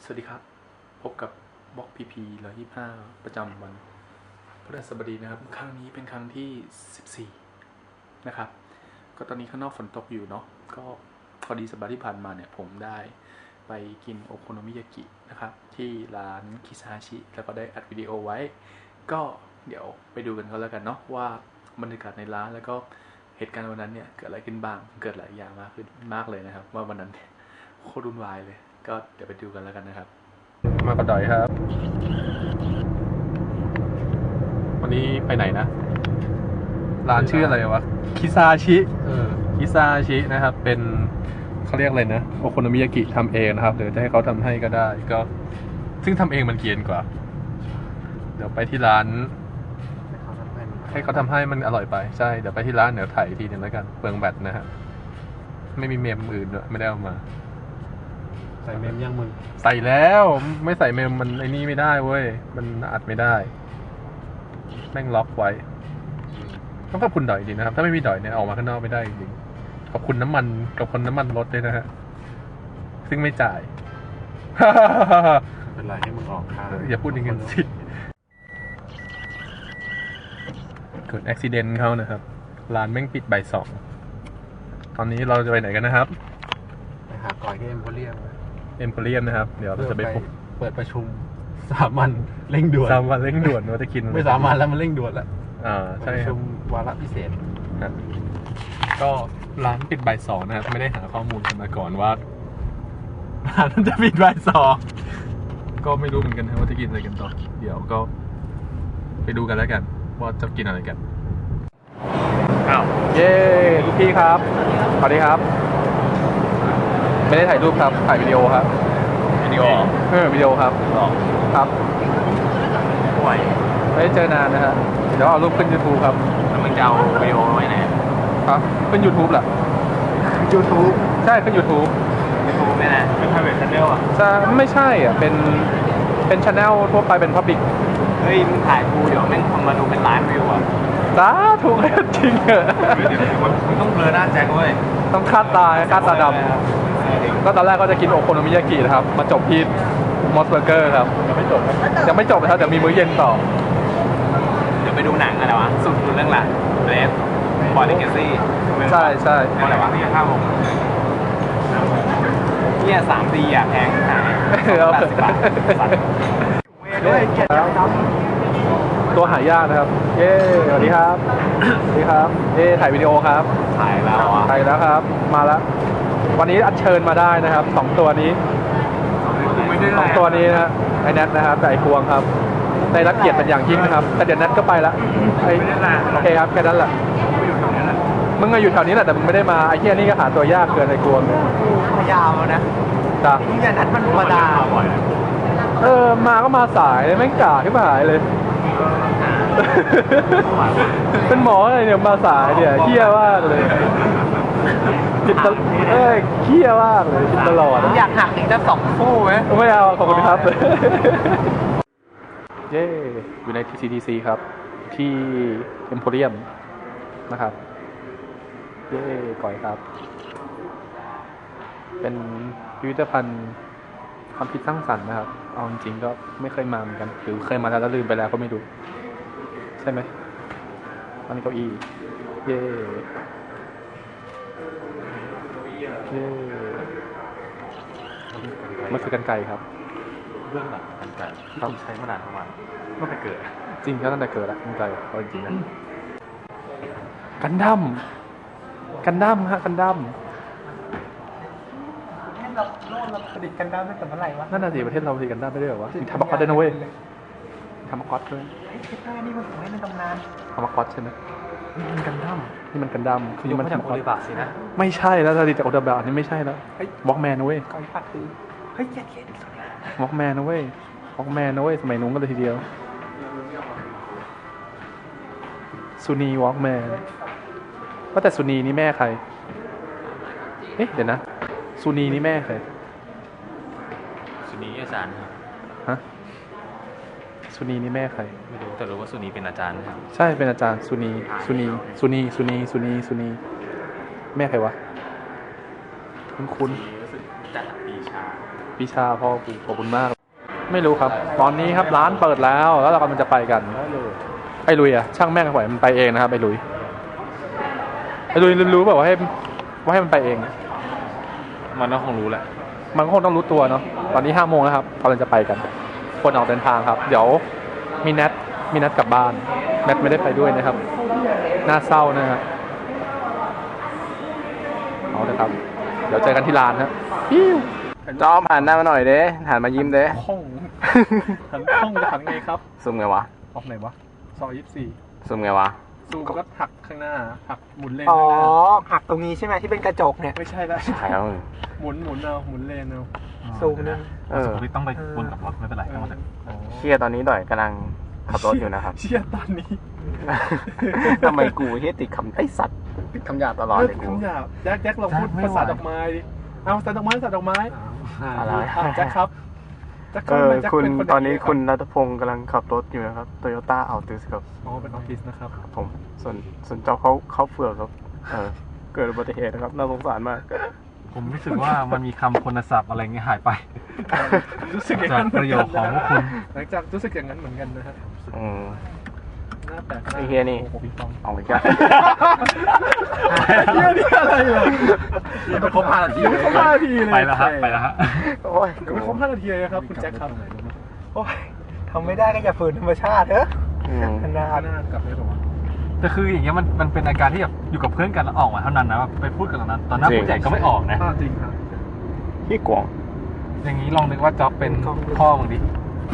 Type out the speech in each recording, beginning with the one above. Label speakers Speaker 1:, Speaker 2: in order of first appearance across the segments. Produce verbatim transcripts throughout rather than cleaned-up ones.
Speaker 1: สวัสดีครับพบกับบล็อกพีพีร้อยยี่สิบห้าประจำวันพฤหัสบดีนะครับครั้งนี้เป็นครั้งที่สิบสี่นะครับก็ตอนนี้ข้างนอกฝนตกอยู่เนาะก็พอดีสัปดาห์ที่ผ่านมาเนี่ยผมได้ไปกินโอโคโนมิยากินะครับที่ร้านคิซาชิแล้วก็ได้อัดวิดีโอไว้ก็เดี๋ยวไปดูกันก็แล้วกันเนาะว่าบรรยากาศในร้านแล้วก็เหตุการณ์วันนั้นเนี่ยเกิดอะไรขึ้นบ้างเกิดหลายอย่างมากขึ้นมากเลยนะครับว่าวันนั้นโคตรวุ่นวายเลยก็เดี๋ยวไปดูกันแล้วกันนะครับมากระดอยครับวันนี้ไปไหนนะร้านชื่ออะไรวะคิซาชิเออคิซาชินะครับเป็นเขาเรียกอะไรนะโอโคโนมิยากิทำเองนะครับหรือจะให้เขาทำให้ก็ได้ก็ซึ่งทำเองมันเกียนกว่าเดี๋ยวไปที่ร้านให้เขาทำให้มันอร่อยไปใช่เดี๋ยวไปที่ร้านเดี๋ยวถ่ายทีนึงแล้วกันเปลืองแบตนะฮะไม่มีเมมอื่นด้วยไม่ได้เอามา
Speaker 2: ใส่เมมยังมึง
Speaker 1: ใส่แล้วไม่ใส่เมมมันไอ้นี่ไม่ได้เว้ยมันอัดไม่ได้แม่งล็อกไว้ต้องขอบคุณดอยดีนะครับถ้าไม่มีดอยเนี่ยออกมาข้างนอกไม่ได้จริงขอบคุณน้ำมันกับคนน้ำมันรถด้วยนะฮะซึ่งไม่จ่าย
Speaker 2: เป็นไรให้มึงออกค่า
Speaker 1: อย่าพูดอย่างนั้นสิเกิดอุบัติเหตุเขานะครับร้านแม่งปิดบ่ายสองตอนนี้เราจะไปไหนกันนะครับ
Speaker 2: ไปหาก่อยที่เอ็มโพเรียม
Speaker 1: เอ็มโพเรียมนะครับเดี๋ยวเราจะไป
Speaker 2: เปิดประชุมสามัญเร่งด่วน
Speaker 1: สามัญเร่งด่วนว่าจะกิน
Speaker 2: ไม่สามัญแล้วมันเร่งด่วนแล้ว
Speaker 1: อ่าใช่
Speaker 2: ประชุมวาระพิเศษ
Speaker 1: ก็ร้านปิดบ่ายสองนะครับไม่ได้หาข้อมูลกันมาก่อนว่าร้านจะปิดบ่ายสองก็ไม่รู้เหมือนกันว่าจะกินอะไรกันต่อเดี๋ยวก็ไปดูกันแล้วกันว่าจะกินอะไรกันอ้าวเย้ลูกพี่ครับสวัสดีครับไม่ได้ถ่ายรูปครับถ่ายวิดีโอครับ
Speaker 3: วิดีโอ
Speaker 1: เออวิดีโอครับครับ
Speaker 3: ป่วย
Speaker 1: ไม่ได้เจอนานนะฮะเดี๋ยวเอารูปขึ้น YouTube ครับ
Speaker 3: แล้วมึงจะเอาวิดีโอไว้ไหน
Speaker 1: ครับขึ้น YouTube แหละ
Speaker 2: YouTube
Speaker 1: ใช่ขึ้น YouTube
Speaker 3: YouTube ไม่นะเป็น private channel อ่ะ
Speaker 1: จะไม่ใช่อ่ะเป็นเป็น channel ทั่วไปเป็น public
Speaker 3: เฮ้ยมึงถ่ายกูเดี๋ยวแม่งคนมาดูเป็นล้านวิวอ่ะ
Speaker 1: สาถูกแล้วจริงเหรอ
Speaker 3: มึงต้องเบลอหน้าแจ็คเว้ย
Speaker 1: ต้องคาดตาคาดตาดำก็ตอนแรกก็จะกินโอโคโนมิยากินะครับมาจบที่มอสเบอร์เกอร์ครับยังไม่จบยังไม่จบนะครับเดี๋ยวมีมื้อเย็นต่อ
Speaker 3: เดี๋ยวไปดูหนังอะไรวะสุดเรื่องหลังเรฟบอดี้เกซี่
Speaker 1: ใช่ใช่
Speaker 3: อะไรวะพี่ห้าโมงเนี่ยสามดีอ่ะแพงขายแปดสิบบาท
Speaker 1: ตัวหายากนะครับเย้สวัสดีครับสวัสดีครับเย้ถ่ายวิดีโอครับ
Speaker 3: ถ่ายแล้วอ่ะ
Speaker 1: ถ่ายแล้วครับมาแล้ววันนี้อัญเชิญมาได้นะครับสองตัวนี้สองตัวนี้นะไอแนทนะครับแต่ไอพวงครับได้รับเกียรติเป็นอย่างยิ่งนะครับแต่เดี๋ยวแนทก็ไปละไอโอเคครับแค่นั้นแหละมึงก็อยู่แถวนี้แหละแต่มึงไม่ได้มาไอ้เหี้ยนี่ก็หาตัวยากเกินไอ้กวงเนี่ย
Speaker 3: พยายามแล้วนะ
Speaker 1: จ้ะ
Speaker 3: มึงอย่านัดมันธรรมดาบ่อย
Speaker 1: เออมาก็มาสายเลยไม่กล้าขึ้นมาหายเลยเป็นหมออะไรเนี่ยมาสายเนี่ยเหี้ยมากเลยผิดตลอดเอ้ยเหี้ยมากเลยผิดตลอด
Speaker 3: อยากหักอีกสักสองคู่ไหม
Speaker 1: ไม่เอาขอบคุณครับเย้อยู่ใน ที ซี ที ซี ครับที่เอ็มโพเรียมนะครับเย้ก่อยครับเป็นพิพิธภัณฑ์ความคิดสร้างสรรค์นะครับเอาจริงๆก็ไม่เคยมาเหมือนกันหรือเคยมาแล้วลืมไปแล้วก็ไม่รู้ใช่ไหมอันนี้เก้าอี้เย้เย้มันคือกันไก่ครับ
Speaker 2: เรื่องหลังกันไก่ที่ต้องใช้มานานประมาณตั้งแต่เกิด
Speaker 1: จริงก็ตั้งแต่เกิดแล้วกันไก่เอาจริงๆนะกันดั้มกันดั้มฮะกันดั้ม
Speaker 3: เราโลกเราผลิตกันดั้มตั้งแต่เมื่อไหร่วะ
Speaker 1: นั่นน่ะสิประเทศเราผลิตกันดั้มไม่ได้หรอวะมีทามาคอสด้วยนะเว้ยทามาคอสด้วย
Speaker 3: ไอ้คิดว่านี่มันของเล่นในตำนาน
Speaker 1: ทามาคอสใช่ไหม
Speaker 2: นี่มันกันดั้ม
Speaker 1: นี่มันกันดั้ม
Speaker 2: คือมันจากโอลิบะสินะ
Speaker 1: ไม่ใช่แล้วผลิตจากโอลิบะนี่ไม่ใช่แล้ววอล์กแมนนะเว้ย
Speaker 3: ก่อยปัดคือเฮ้ยเย็ดเย็ด
Speaker 1: วอล์กแมนนะเว้ยวอล์กแมนนะเว้ยสมัยนู้นก็เลยทีเดียวซูนีวอล์กแมนว่าแต่ซูนีนี่แม่ใครเอ๊ะเดี๋ยวนะซูนีนี่แม่ใคร
Speaker 3: ซูนีอาจารย์ครับ
Speaker 1: ฮะซูนีนี่แม่ใคร
Speaker 3: ไม่รู้แต่รู้ว่าซูนีเป็นอาจารย์นะครับ
Speaker 1: ใช่เป็นอาจารย์ซูนีซูนีซูนีซูนีซูนีซูนีแม่ใครวะคุ้นคุ้น
Speaker 3: จัดปีชา
Speaker 1: วิชาพ่อกูขอบคุณมาก ไม่รู้ครับ ตอนนี้ครับร้านเปิดแล้วแล้วเรากำลังจะไปกันไอ้ลุยอะช่างแม่งปล่อยมันไปเองนะครับไอ้ลุยไอ้ลุยรู้แบบว่าให้ว่าให้มันไปเอง
Speaker 2: มันก็คงรู้แหละ
Speaker 1: มันก็คงต้องรู้ตัวเนาะตอนนี้ห้าโมงแล้วครับกำลังจะไปกัน คนออกเดินทางครับ เดี๋ยวมีนัดมีนัดกลับบ้านแมทไม่ได้ไปด้วยนะครับน่าเศร้านะฮะเอาเลยครับ เดี๋ยวเจอกันที่ร้านนะปิ้ว
Speaker 3: จอมหันหน้ามาหน่อยเด้หันมายิ้มเด้
Speaker 1: ห้องหันห้องจะหันไงครับ
Speaker 3: ซูมไงวะ
Speaker 1: ออกไหนวะซอยยี่สิบสี่
Speaker 3: ซูมไงวะ
Speaker 1: ซูมก็หักข้างหน้าหักหมุนเลน
Speaker 4: อ๋อ
Speaker 1: ข้างหน้า
Speaker 4: หักตรงนี้ใช่ไหมที่เป็นกระจกเนี่ย
Speaker 1: ไม่ใช่ละ
Speaker 3: ใครเอามึง
Speaker 1: หมุนหมุนเอาหมุนเลนเอา
Speaker 4: ซูมนึง
Speaker 3: เออ
Speaker 2: สมมติต้องไปวนกับรถไม่เป็นไรทั้งหมด
Speaker 1: อ๋อ
Speaker 3: เชี่ยตอนนี้ด่อยกำลังขับรถอยู่นะครับ
Speaker 1: เชี่ยตอนนี้
Speaker 3: ทำไมกูเฮียติดคำไอ้สัตว์ติดคำหยาบตลอดเลยกู
Speaker 1: คำหยาบแจ็คแจ็คลองพูดภาษาดอกไม้ดิเอาภาษาดอกไม้ภาษาดอกไม้
Speaker 3: อะไร
Speaker 1: อ่ะแจ็คครับแจ็ค
Speaker 3: เออ
Speaker 1: แจ็
Speaker 3: คุณ
Speaker 1: เป็
Speaker 3: ตอนนี้
Speaker 1: ย่าง
Speaker 3: คุณรัตพงศ์กำลังขับรถอยู่นะครับโตโยต้าอัลติสครับ
Speaker 1: อ๋อเป็นออฟฟิศนะครับ
Speaker 3: ครับผมส่วนส่วนเจ้าเขาเขาเฟือกครับเออเกิดอุบัติเหตุนะครับน่าสงสารมาก
Speaker 2: ผมรู้สึกว่ามันมีคำคุณศัพท์อะไรเงี้ยหายไป
Speaker 1: รู้สึกอย่าง
Speaker 2: จาก
Speaker 1: นั้น
Speaker 2: ประโยคของพวกคุณ
Speaker 1: หลังจากรู้สึกอย่างนั้นเหมือนกันนะฮะ
Speaker 3: อืม
Speaker 1: หน้าแปลก
Speaker 3: ไอ้เหี้ยนี่
Speaker 1: โอ้โหพี่ฟอง
Speaker 3: เอาไปกัน
Speaker 1: เฮียนี่อะไรเหรอ
Speaker 2: ยังไม่ครบห้านาที
Speaker 1: ยังไม่ครบห้านาทีเลย
Speaker 2: ไปแล้วฮะไปแล้วฮะ
Speaker 3: โอ้ย
Speaker 1: ยังไม่ครบห้านาทีเลยครับคุณแจ็คครับ
Speaker 4: โอ้ยทำไม่ได้ก็อย่าฝืนธรรมชาติเถอะ
Speaker 3: อืม
Speaker 4: นาน
Speaker 1: หน้ากลับได้หรอวะ
Speaker 2: แต่คืออย่างเงี้ยมันมันเป็นอาการที่แบบอยู่กับเพื่อนกันแล้วออกมาเท่านั้นนะแบบไปพูดกันตอนนั้นตอนหน้าผู้ใหญ่ก็ไม่ออกนะ
Speaker 1: อ่าจริงครับ
Speaker 3: พี่กวาง
Speaker 2: อย่างนี้ลองนึกว่าจ๊อบเป็นพ่อมึงดิ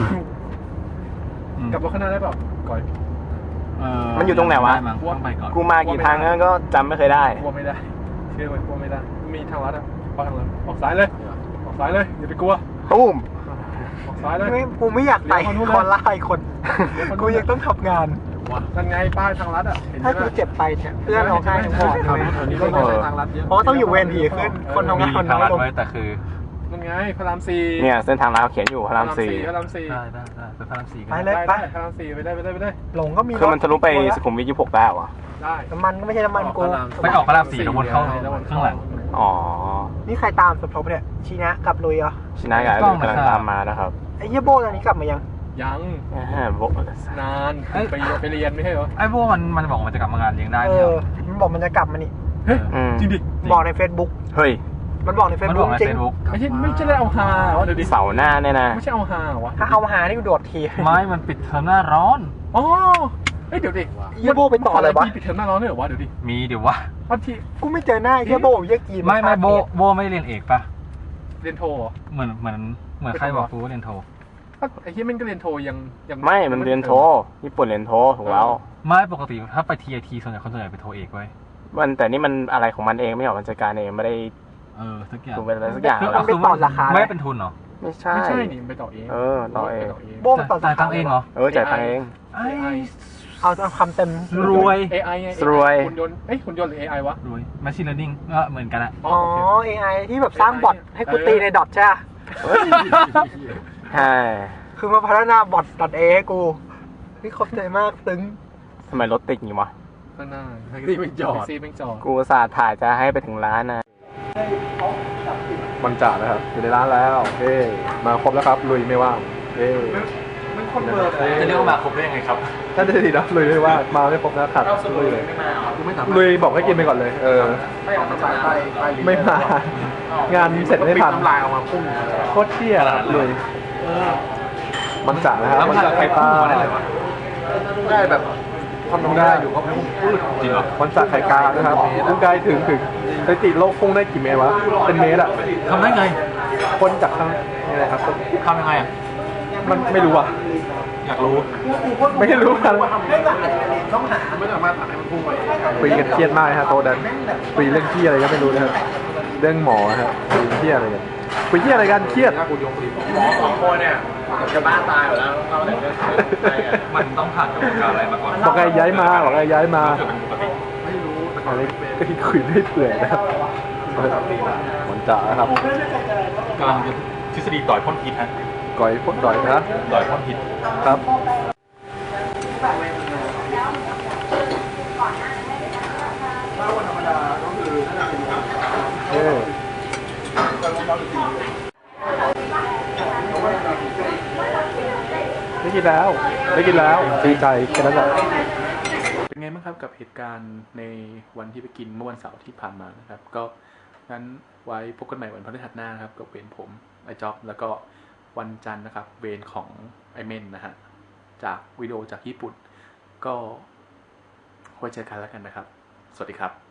Speaker 2: อืม
Speaker 1: กลับรถข้างหน้าได้เปล่าก่อย
Speaker 2: เ
Speaker 3: มันอยู่ตรงไหนวะ
Speaker 2: ด้มั้งต้องไปก่อน
Speaker 3: กูมากี่ครั้งแล้วก็จำไม่เคยได้
Speaker 1: กลัวไม่ได้ เชื่อไหมกลัวไม่ได้ มีทางลัดอ่ะไปทางลัดออกซ้ายเลย ออกซ้ายเลยอย่าไปกลัว
Speaker 3: ตุ้ม
Speaker 1: ออกซ้ายเลย
Speaker 4: ไม่กูไม่อยากไป
Speaker 1: เลี้ยวมานู่นเลย
Speaker 4: คอนไล่คน กูยังต้องทำงาน
Speaker 1: นั่นไงป้ายทางลัดอ่ะเห็นไหม
Speaker 4: ถ้ากูเจ็บไปเนี่ยเพื่อนร้องไห้ทั้งหมดเลย
Speaker 1: อันนี้ก็ไม่ใช่ทางลัดเยอะ
Speaker 4: เพราะว่าต้องอยู่เวรถี่ขึ้น คนทำ
Speaker 2: มี
Speaker 4: งานคน
Speaker 2: ทาง
Speaker 4: น้อ
Speaker 2: ลั
Speaker 4: ย
Speaker 2: ด
Speaker 4: ลง
Speaker 2: ไว้แต่คือ
Speaker 1: นั่นไงพระรามสี่
Speaker 3: เนี่ยเส้นทางเราเขียนอยู่พระรามสี่
Speaker 1: พระรามสี่
Speaker 2: ได้ได้ได้ไปพระรามสี่กั
Speaker 4: ไป
Speaker 2: น
Speaker 4: เลย
Speaker 1: ได้ได้พระรามสี่ไปได้ไปได้ไปได้
Speaker 4: หลงก็มี
Speaker 3: คือมันทะลุไปสุขุมวิทยี่สิบหกได้เหรอ
Speaker 1: ได้
Speaker 4: น้ำมันก็ไม่ใช่น้ำมันกู
Speaker 2: ไปออกพระรามสี่แล้ววนเข้าข้างหลัง
Speaker 3: อ๋อ
Speaker 4: นี่ใครตามสมทบเนี่ยชีนะกับลุยเหรอ
Speaker 3: ชินากา
Speaker 2: กล้อง
Speaker 3: กำลัง
Speaker 2: นะครับ
Speaker 3: ตามมานะครับ
Speaker 4: ไอ้เหี้ยโบตอนนี้กลับมายัง
Speaker 1: ยัง
Speaker 3: อ่าโบ
Speaker 1: นานไปไปเรียนไม่ใช่เหรอ
Speaker 2: ไอ้พวกมันมันบอกมันจะกลับมางานเลี้ยงได้
Speaker 4: เอ
Speaker 2: เนี่ย
Speaker 4: อ มันบอกมันจะกลับมานี่
Speaker 1: เฮ้ย
Speaker 3: อืม
Speaker 1: จริงดิ
Speaker 4: บอกใน Facebook
Speaker 3: เฮ้ย
Speaker 4: มันบอกใน
Speaker 2: มันบ
Speaker 4: Facebook
Speaker 2: อกใน
Speaker 4: จริ
Speaker 2: เฟ
Speaker 4: ง
Speaker 2: ซบุ๊ก
Speaker 1: ไม่ใช่ไม่ใช่ได้เอาฮาวะเดี๋ยวดิ
Speaker 3: เสาร์หน้าเนี่ยนะ
Speaker 1: ไม่ใช่เอาฮาวะ
Speaker 4: ถ้าเอาหานี่กูโดดที
Speaker 2: ไม้มันปิดเทอมหน้าร้อน
Speaker 1: อ๋อเฮ้ยเดี๋ยวดิ
Speaker 4: เหี้ยโบไปต่อเลยวะ
Speaker 1: มีปิดเทอมหน้าร้อนด้วยเหรอวะเดี๋ยวดิ
Speaker 2: มีเดี๋ยววะ
Speaker 1: วันที่
Speaker 4: กูไม่เจอหน้าไอ้เหี้ยโบเหี้ยกีน
Speaker 2: ไม่ไม่โบโบไม่ได้เรียนเอกปะ
Speaker 1: เรียนโทเหรอ
Speaker 2: เหมือนเหมือนเหมือนใครบอกกูว่าเรียนโท
Speaker 1: ไอ้ที่มันก็เรียนโทยังยัง
Speaker 3: ไม่ มันเรียนโท ญี่ปุ่นเรียนโทถูกแล้ว
Speaker 2: ไม่ปกติถ้าไปทีไอทีส่วนใหญ่คนส่วนใหญ่ไปโทเอกไว้
Speaker 3: มันแต่นี่มันอะไรของมันเองไม่ออกมันจัดการเองไม่ได้
Speaker 2: เออทุกอย่าง
Speaker 3: ถูกเป็นอะไรสักอย่าง
Speaker 2: คือ
Speaker 3: แล้ว
Speaker 2: คือไม่เป็นทุนเหรอ
Speaker 3: ไม่ใช่
Speaker 1: ไม่ใช่นี่ไปต่อเอง
Speaker 3: เออต่อเอง
Speaker 4: โบมันต่อ
Speaker 2: จ่ายตังค์เองเหรอ
Speaker 3: เออจ่ายตังค์เอง
Speaker 2: ไอ้
Speaker 4: เอาเอาคำเต็ม
Speaker 2: รวย
Speaker 1: เอไอไง
Speaker 3: รวย
Speaker 1: หุ่นยนต์เอ้ยหุ่นยนต์หรือ เอ ไอ วะ
Speaker 2: รวย machine learning ก็เหมือนกันอะ
Speaker 4: อ๋อ เอ ไอ ที่แบบสร้างบอทให้กูตีในดอทใช่ปะ
Speaker 3: เฮ้ยใช่
Speaker 4: คือมาพัฒนาบอทดอทเอให้กูนี่ขอบใจมากซึ้ง
Speaker 3: ทำไมรถติดอย่างนี้วะ
Speaker 1: ข้างหน้าแท็กซี่ไม่จอดแท็กซี่ไม่จอด
Speaker 3: กูอุตสาห์ถ่ายจะให้ไปถึงร้านนะ
Speaker 1: มันจ่าแล้วครับอยู่ในร้านแล้วเฮ้มาครบแล้วครับลุยไม่ว่างเฮ้
Speaker 4: มันคนเบอร์
Speaker 2: จะเรียกว่ามาครบได้ยังไงครับ
Speaker 1: ถ้าจะดีนะลุยไม่ว่างมาไม่ครบแล้วขาดลุยเลยลุยบอกให้กินไปก่อนเลย เออไม่มางานเสร็จไม่ทันลายออกมาพุ่งโคตรเที่ยลุยมันจ่าแล้วครับ
Speaker 2: แล้วมันจะใครพุ่งมาได้เลยวะ
Speaker 1: ได้แบบทำได้อยู่ก็ไม่พุ่งปื้ด
Speaker 2: จริงเหรอ
Speaker 1: มันจ่าไข่กานะครับพุ่งไกลถึงถึงสถิติโลกพุ่งได้กี่เมตรวะเป็นเมตรอ่ะ
Speaker 2: ทำได้ไง
Speaker 1: คนจากข้างนี่แหละครับ
Speaker 2: ทำยังไงอะ
Speaker 1: มันไม่รู้อ่ะ
Speaker 2: อยากรู้
Speaker 1: ไม่รู้กัน
Speaker 4: ต้องหา
Speaker 1: คุยกันเครียดมากฮะโตะดันคุยเรื่องเครียดอะไรก็ไม่รู้นะครับเรื่องหมอฮะคุยเครียดอะไรกันคุยเครียดอะไรกันเครียด
Speaker 3: หมอสองคนเนี่ยจะบ้าตายหมดแล้วเราแต่เรื่อง
Speaker 2: มันต้องผ่านกระบวนการอะไรมาก่อน
Speaker 1: บอกไงย้ายมาบอกไงย้ายมา
Speaker 2: เกิดเป็นปกติ
Speaker 1: อะไรก็ที่คุยได้เปื่อยนะครับมันจ๋าครับ
Speaker 2: กำลังจะทฤษฎีต่อยพ่นพิษฮะ
Speaker 1: ก่อยพดด่อยนะ
Speaker 2: ต่อยพ่นพิษ
Speaker 1: ครับเออได้กินแล้ว ได้กินแล้วดีใจแค่นั้นแหละเป็นไงบ้างครับกับเหตุการณ์ในวันที่ไปกินเมื่อวันเสาร์ที่ผ่านมานะครับ ก็งั้นไว้พบกันใหม่วันพฤหัสหน้านะครับกับเวรผมไอจ็อบแล้วก็วันจันทร์นะครับเวรของไอเมนนะฮะจากวิดีโอจากญี่ปุ่นก็ไว้เจอกันแล้วกันนะครับ สวัสดีครับ